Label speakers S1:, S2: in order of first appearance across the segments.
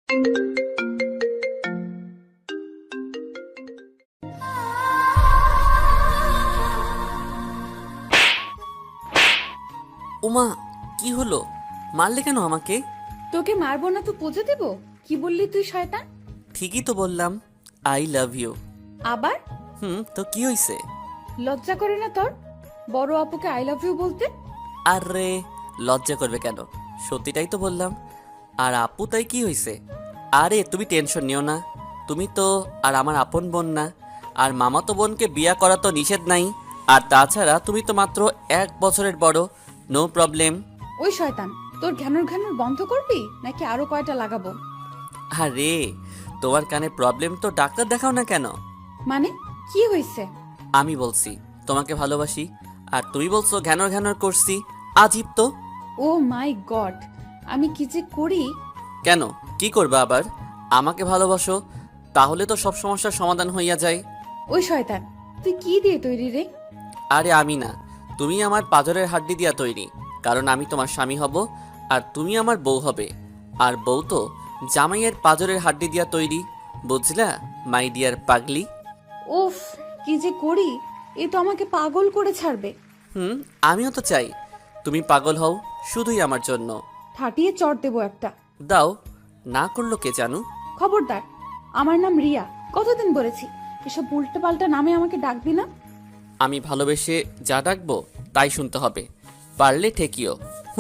S1: উমা, কি হলো? মারলে কেন আমাকে?
S2: তোকে মারবো না তো পুজো দেব? কি বললি তুই শয়তান?
S1: ঠিকই তো বললাম, আই লাভ ইউ।
S2: আবার
S1: তো কি হইছে?
S2: লজ্জা করে না তোর বড় আপুকে আই লাভ ইউ বলতে?
S1: আরে লজ্জা করবে কেন? সত্যিটাই তো বললাম। আর আপু তাই কি হইছে? আরে তুমি টেনশন নিও না। তুমি তো আর আমার আপন বোন না। আর মামাতো বোনকে বিয়া করা তো নিষেধ নাই। আর তাছাড়া তুমি তো মাত্র 1 বছরের বড়। No problem.
S2: ওই শয়তান, তোর ঘ্যানুর ঘ্যানুর বন্ধ করবি নাকি আরো কয়টা লাগাবো?
S1: আরে তোমার কানে প্রবলেম তো ডাক্তার দেখাও না কেন?
S2: মানে কি হয়েছে?
S1: আমি বলছি তোমাকে ভালোবাসি, আর তুমি বলছো ঘ্যানর ঘ্যানর করছি। আজীব তো।
S2: ও মাই গড, আমি কি যে করি!
S1: কেন, কি করবা আবার? আমাকে ভালোবাসো, তাহলে তো সব সমস্যার সমাধান হইয়া যায়।
S2: ওই শয়তান, তুই কি দিয়ে তৈরি রে?
S1: আরে আমি না, তুমি আমার পাঁজরের হাড্ডি দিয়া তৈরি। কারণ আমি তোমার স্বামী হব, আর তুমি আমার বউ হবে। আর বউ তো জামাইয়ের পাঁজরের হাড্ডি দিয়া তৈরি। বুঝলা মাই ডিয়ার পাগলি?
S2: উফ, কি যে করি! এ তো আমাকে পাগল করে ছাড়বে।
S1: আমিও তো চাই তুমি পাগল হও, শুধুই আমার জন্য।
S2: ফাটিয়ে চড় দেবো একটা।
S1: দাও, না করলো কে জানু।
S2: খবরদার, আমার নাম রিয়া। কতদিন বলেছি এসব উল্টো পাল্টা নামে আমাকে ডাকবি না।
S1: আমি ভালোবেসে যা ডাকবো তাই শুনতে হবে, পারলে ঠেকিও।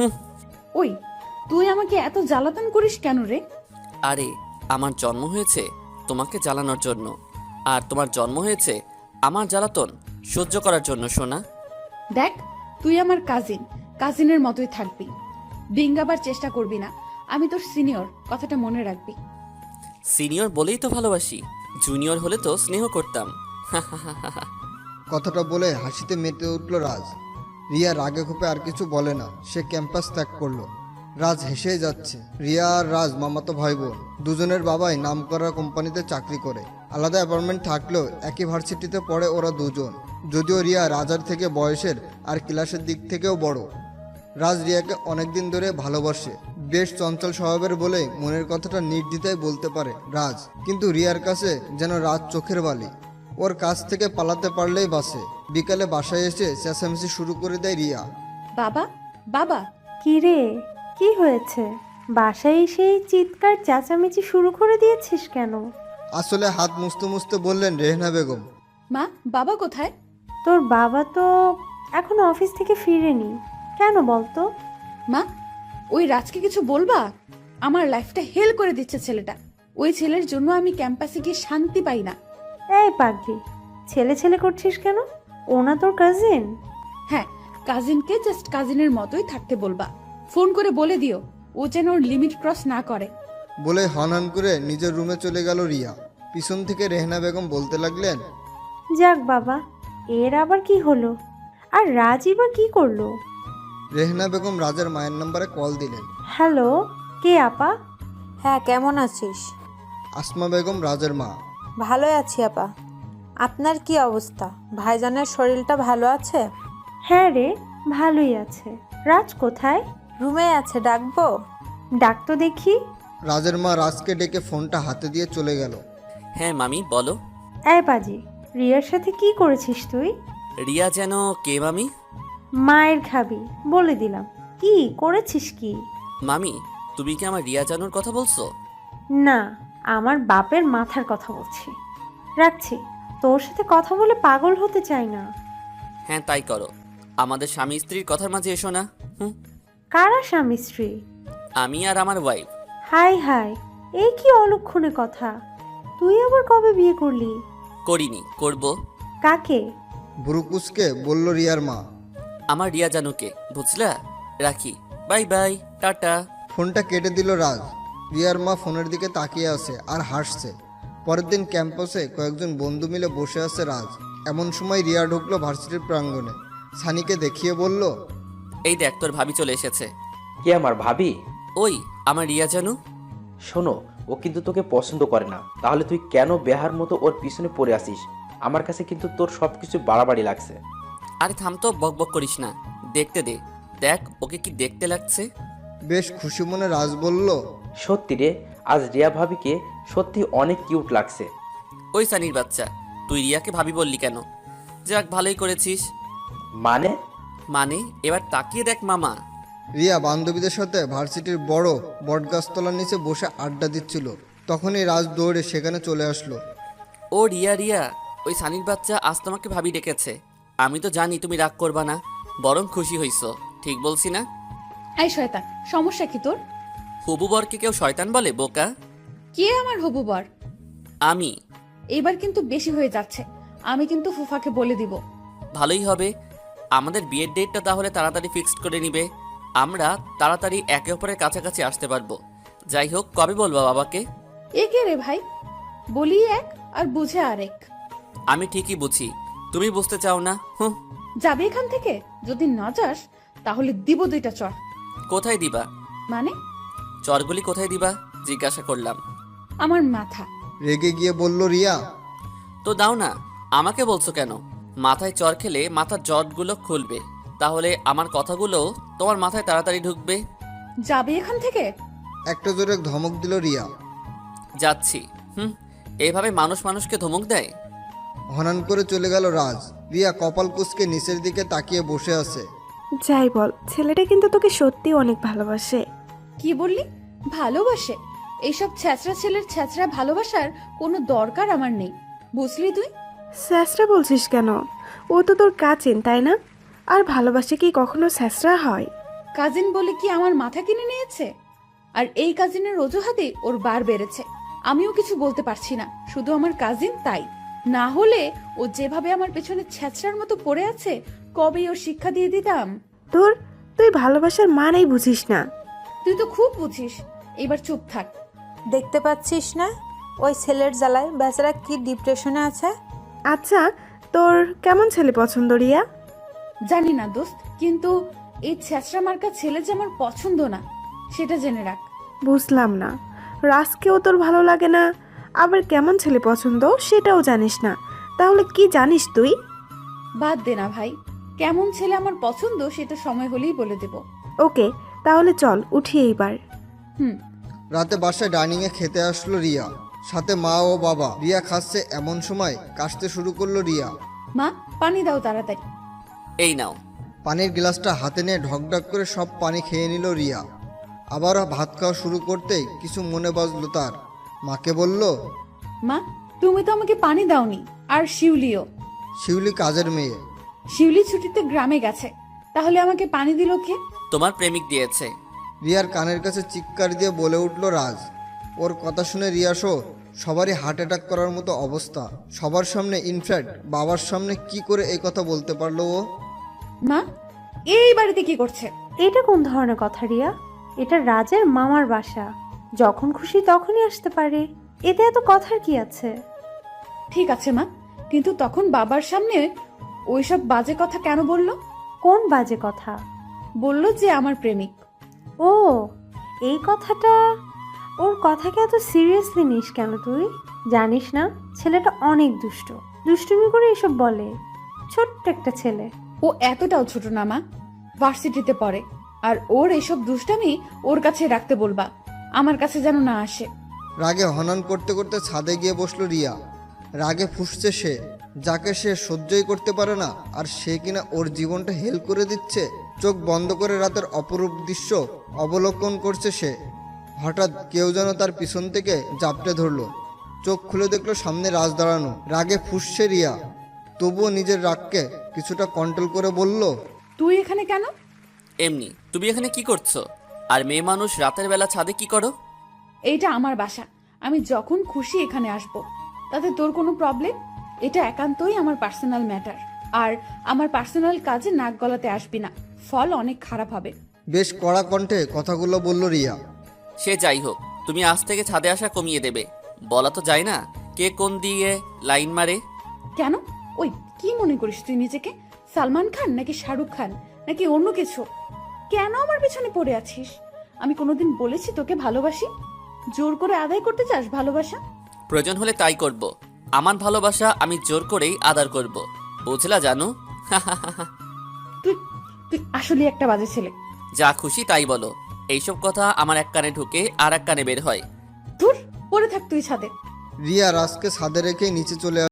S2: ওই, তুই আমাকে এত জ্বালাতন করিস কেন রে?
S1: আরে আমার জন্ম হয়েছে তোমাকে জ্বালানোর জন্য, আর তোমার জন্ম হয়েছে আমার জ্বালাতন সহ্য করার জন্য, সোনা।
S2: দেখ, তুই আমার কাজিন, কাজিনের মতোই থাকবি। ডিঙ্গাবার চেষ্টা করবি না। আমি তোর সিনিয়র, কথাটা মনে রাখবি।
S1: সিনিয়র বলেই তো ভালোবাসি, জুনিয়র হলে তো স্নেহ করতাম।
S3: কথাটা বলে হাসিতে মেতে উঠল রাজ। রিয়া রাগে ক্ষোভে আর কিছু বলে না, সে ক্যাম্পাস ত্যাগ করলো। রাজ হেসেই যাচ্ছে। রিয়া আর রাজ মামাতো ভাই বোন। দুজনের বাবাই নামকরা কোম্পানিতে চাকরি করে। আলাদা অ্যাপার্টমেন্ট থাকলেও একই ভার্সিটিতে পড়ে ওরা দুজন। যদিও রিয়া রাজার থেকে বয়সের আর ক্লাসের দিক থেকেও বড়। রাজ রিয়াকে অনেকদিন ধরে ভালোবাসে। বেশ চঞ্চল স্বভাবের বলে মনের কথাটা নির্দ্বিধায় বলতে পারে রাজ। কিন্তু রিয়ার কাছে যেন রাজ চোখের বালি। ওর কাছ থেকে পালাতে পারলেই বাসে। বিকালে বাসায় এসে চেঁচামেচি শুরু করে দেয় রিয়া।
S2: বাবা, বাবা!
S4: কি রে, কি হয়েছে? বাসায় এসে চিৎকার চেঁচামেচি শুরু করে দিয়েছিস কেন?
S3: আসলে হাত মুছতে মুছতে বললেন রেহনা বেগম।
S2: মা, বাবা কোথায়?
S4: তোর বাবা তো এখনো অফিস থেকে ফিরেনি। কেন বলতো?
S2: মা, ওই রাজকে কিছু বলবা? আমার লাইফটা হেল করে দিচ্ছে ছেলেটা। ওই ছেলের জন্য আমি ক্যাম্পাসে গিয়ে শান্তি পাই না।
S4: এই পাগলি, ছেলে ছেলে করছিস কেন? ওনা তোর কাজিন।
S2: হ্যাঁ, কাজিনকে জাস্ট কাজিনের মতোই থাকতে বলবা। ফোন করে বলে দিও ও যেন ওর লিমিট ক্রস না করে।
S3: বলে হনহন করে নিজের রুমে চলে গেল রিয়া। পিছন থেকে রেহনা বেগম বলতে লাগলেন,
S4: যাক বাবা, এর আবার কি হলো? আর রাজই বা কি করলো?
S3: রেহনা বেগম রাজের মায়ের নম্বরে কল দিলেন।
S4: হ্যালো, কে আপা?
S5: হ্যাঁ, কেমন আছিস?
S3: আসমা বেগম রাজের মা।
S5: ভালোই আছি আপা। আপনার কি অবস্থা? ভাইজানের শরীরটা ভালো আছে?
S4: হ্যাঁ রে, ভালোই আছে। রাজ কোথায়?
S5: রুমে আছে, ডাকবো?
S4: ডাক তো দেখি।
S3: রাজের মা রাজকে ডেকে ফোনটা হাতে দিয়ে চলে গেল।
S1: হ্যাঁ মামি, বলো।
S4: এই পাজি, রিয়ার সাথে কি করেছিস তুই?
S1: রিয়া যেন কে মামি?
S4: মায়ের খাবি বলে দিলাম। কি করেছিস কি?
S1: মামি, তুমি কি আমার রিয়া জানুর কথা বলছো?
S4: না, আমার বাপের মাথার কথা বলছি। রাখছি, তোর সাথে কথা বলে পাগল হতে চাই না।
S1: হ্যাঁ তাই করো, আমাদের স্বামী স্ত্রীর কথার মাঝে এসো না।
S4: কারা স্বামী স্ত্রী?
S1: আমি আর আমার ওয়াইফ।
S4: হাই হাই, এই কি অলক্ষণে কথা! তুই আবার কবে বিয়ে করলি?
S1: করিনি, করব।
S4: কাকে?
S3: বুরুকুসকে বলল রিয়ার মা।
S1: আমার রিয়া জানুকে, বুঝলা? রাখি, বাই বাই, টাটা।
S3: ফোনটা কেটে দিল রাজ। রিয়ার মা ফোনের দিকে তাকিয়ে আছে আর হাসছে। পরের দিন ক্যাম্পাসে কয়েকজন বন্ধু মিলে বসে আছে রাজ। এমন সময় রিয়া ঢুকলো ভার্সিটির প্রাঙ্গণে। সানিকে দেখিয়ে বলল,
S1: এই দেখ তোর ভাবি চলে এসেছে।
S6: কে আমার ভাবি?
S1: ওই আমার রিয়া জানু।
S6: শোনো, ও কিন্তু তোকে পছন্দ করে না। তাহলে তুই কেন বেহার মতো ওর পিছনে পড়ে আসিস? আমার কাছে কিন্তু তোর সবকিছু বাড়াবাড়ি লাগছে।
S1: আরে থাম তো, বক বক করিস না, দেখতে দে। দেখ ওকে কি দেখতে লাগছে।
S3: বেশ খুশি মনে রাজ বলল,
S6: সত্যি রে, আজ রিয়া ভাবিকে সত্যি অনেক কিউট লাগছে।
S1: ওই সানির বাচ্চা, তুই রিয়াকে ভাবি বললি কেন? যাক, ভালোই করেছিস।
S6: মানে?
S1: মানে এবার তাকিয়ে দেখ মামা।
S3: রিয়া বান্ধবীদের সাথে ভার্সিটির বড় বটগাছতলার নিচে বসে আড্ডা দিচ্ছিল। তখনই রাজ দৌড়ে সেখানে চলে আসলো।
S1: ও রিয়া, রিয়া, ওই সানির বাচ্চা আজ তোমাকে ভাবি ডেকেছে। আমি তো জানি তুমি রাগ করবা না, বরং খুশি হইছো। ঠিক বলছি না?
S2: এই শয়তান, সমস্যা কি তোর?
S1: হবু বরকে কেউ শয়তান বলে বোকা?
S2: কে আমার হবু বর?
S1: আমি।
S2: এবার কিন্তু বেশি হয়ে যাচ্ছে। আমি কিন্তু ফুফাকে বলে দিব।
S1: ভালোই হবে। আমাদের বিয়ের ডেটটা তাহলে তাড়াতাড়ি ফিক্সড করে নিবে। আমরা তাড়াতাড়ি একে অপরের কাছাকাছি আসতে পারবো। যাই হোক, কবে বলবা বাবাকে?
S2: এ কে রে ভাই? বলি এক আর বুঝে আরেক।
S1: আমি ঠিকই বুঝি, তুমি বুঝতে চাও না। হুঁ।
S2: যাবে এখান থেকে? যদি না যাস তাহলে দিব 2টা চর।
S1: কোথায় দিবা?
S2: মানে?
S1: চরগুলি কোথায় দিবা জিজ্ঞাসা করলাম।
S2: আমার মাথা।
S3: রেগে গিয়ে বলল রিয়া।
S1: তো দাও না, আমাকে বলছো কেন? মাথায় চর খেলে মাথার জটগুলো খুলবে, তাহলে আমার কথাগুলো তোমার মাথায় তাড়াতাড়ি ঢুকবে।
S2: যাবে এখান থেকে?
S3: একটা জোরে ধমক দিল রিয়া।
S1: যাচ্ছি। এইভাবে মানুষ মানুষকে ধমক দেয়?
S3: হনান করে চলে গেল রাজ। রিয়া কপাল কুঁচকে নিচের দিকে তাকিয়ে বসে আছে।
S7: যাই বল, ছেলেটা কিন্তু তোকে সত্যি অনেক ভালোবাসে।
S2: কি বললি? ভালোবাসে? এইসব ছ্যাচরা ছেলের ছ্যাচরা ভালোবাসার কোনো দরকার আমার নেই, বুঝলি তুই?
S7: স্যাসরা বলছিস কেন? ও তো তোর কাজিন, তাই না? আর ভালোবাসে কি কখনো স্যাসরা হয়?
S2: কাজিন বলে কি আমার মাথা কিনে নিয়েছে? আর এই কাজিনের অজুহাতে ওর বার বেড়েছে। আমিও কিছু বলতে পারছি না, শুধু আমার কাজিন তাই। না হলে ও যেভাবে আমার পেছনে ছ্যাচরার মতো পড়ে আছে, কবেই ওর শিক্ষা দিয়ে দিতাম।
S7: তুই ভালোবাসার মানেই বুঝিস না।
S2: তুই তো খুব বুঝিস, এবার চুপ থাক।
S5: দেখতে পাচ্ছিস না ওই ছেলের জ্বালায় বেচারা কি ডিপ্রেশনে আছে।
S7: আচ্ছা, তোর কেমন ছেলে পছন্দ রিয়া?
S2: জানি না দোস্ত, কিন্তু এই ছ্যাচরা মার্কা ছেলে যে আমার পছন্দ না, সেটা জেনে রাখ।
S7: বুঝলাম না, রাজকেও তোর ভালো লাগে না, আবার কেমন ছেলে পছন্দ সেটাও জানিস না। তাহলে কি জানিস তুই?
S2: বাদ দে না ভাই, কেমন ছেলে আমার পছন্দ সেটা সময় হলেই বলে দেব।
S7: ওকে, তাহলে চল উঠি এইবার।
S3: রাতে বাসায় ডাইনিংয়ে খেতে আসলো রিয়া, সাথে মা ও বাবা। রিয়া খাচ্ছে এমন সময় কাশতে শুরু করলো রিয়া।
S2: মা, পানি দাও তাড়াতাড়ি।
S1: এই নাও।
S3: পানির গ্লাসটা হাতে নিয়ে ঢকঢক করে সব পানি খেয়ে নিল রিয়া। আবারও ভাত খাওয়া শুরু করতেই কিছু মনে বাজলো তার। মাকে বলল,
S2: মা, তুমি তো আমাকে পানি দাওনি, আর শিউলিও।
S3: শিউলি কাজের মেয়ে।
S2: শিউলি ছুটিতে গ্রামে গেছে, তাহলে আমাকে পানি দিল কে?
S1: তোমার প্রেমিক দিয়েছে।
S3: রিয়ার কানের কাছে চিৎকার দিয়ে বলে উঠল রাজ। ওর কথা শুনে রিয়াসও সবারই হার্ট অ্যাটাক করার মতো অবস্থা। সবার সামনে, ইনফ্যাক্ট বাবার সামনে কি করে এই কথা বলতে পারলো ও?
S2: মা, এই বাড়িতে কি করছে?
S4: এটা কোন ধরনের কথা রিয়া? এটা রাজের মামার বাসা, যখন খুশি তখনই আসতে পারে, এতে এত কথার কি আছে?
S2: ঠিক আছে মা, কিন্তু তখন বাবার সামনে ওইসব বাজে কথা কেন বললো?
S4: কোন বাজে কথা?
S2: বললো যে আমার প্রেমিক।
S4: ও, এই কথাটা। ওর কথাকে এত সিরিয়াসলি নিস কেন তুই? জানিস না ছেলেটা অনেক দুষ্ট, দুষ্টুমি করে এসব বলে। ছোট্ট একটা ছেলে।
S2: ও এতটাও ছোট না মা, ভার্সিটিতে পড়ে। আর ওর এইসব দুষ্টামি ওর কাছে রাখতে বলবা, আমার কাছে যেন না আসে।
S3: রাগে হনন করতে করতে ছাদে গিয়ে বসলো রিয়া। রাগে ফুঁসছে সে, যাকে সে সহ্যই করতে পারে না, আর সে কিনা ওর জীবনটা হেল করে দিচ্ছে। চোখ বন্ধ করে রাতের অপরূপ দৃশ্য অবলোকন করছে সে। হঠাৎ কেউ যেন তার পিছন থেকে জাপটে ধরলো। চোখ খুলে দেখলো সামনে রাজ দাঁড়ানো। রাগে ফুঁসছে রিয়া, তবুও নিজের রাগকে কিছুটা কন্ট্রোল করে বলল,
S2: তুই এখানে কেন?
S1: এমনি। তুমি এখানে কি করছো? আর মেয়ে মানুষ রাতের বেলা ছাদে কি করো?
S2: এইটা আমার বাসা, আমি যখন খুশি এখানে আসব, তাতে তোর কোনো প্রবলেম? এটা একান্তই আমার পার্সোনাল ম্যাটার, আর আমার পার্সোনাল কাজে নাক গলাতে আসবি না, ফল অনেক খারাপ হবে।
S3: বেশ কড়া কণ্ঠে কথাগুলো বলল রিয়া।
S1: সে যাই হোক, তুমি আজ থেকে ছাদে আসা কমিয়ে দেবে। বলা তো যায় না কে কোন দিয়ে লাইন মারে।
S2: কেন? ওই কি মনে করিস তুই নিজেকে? সালমান খান নাকি শাহরুখ খান নাকি অন্য কিছু? কেন আমার পেছনে পড়ে আছিস? আমি কোনোদিন বলেছি তোকে ভালোবাসি? জোর করে আদায় করতে চাস ভালোবাসা?
S1: প্রয়োজন হলে তাই করব। আমার ভালোবাসা আমি জোর করেই আদার করব, বুঝলা জানো?
S2: তুই তুই আসলে একটা বাজে ছেলে।
S1: যা খুশি তাই বলো। এইসব কথা আমার এক কানে ঢুকে আর এক কানে বের হয়।
S2: ধুর, পড়ে থাক তুই ছাদে।
S3: রিয়া রাজকে ছাদে রেখেই নিচে চলে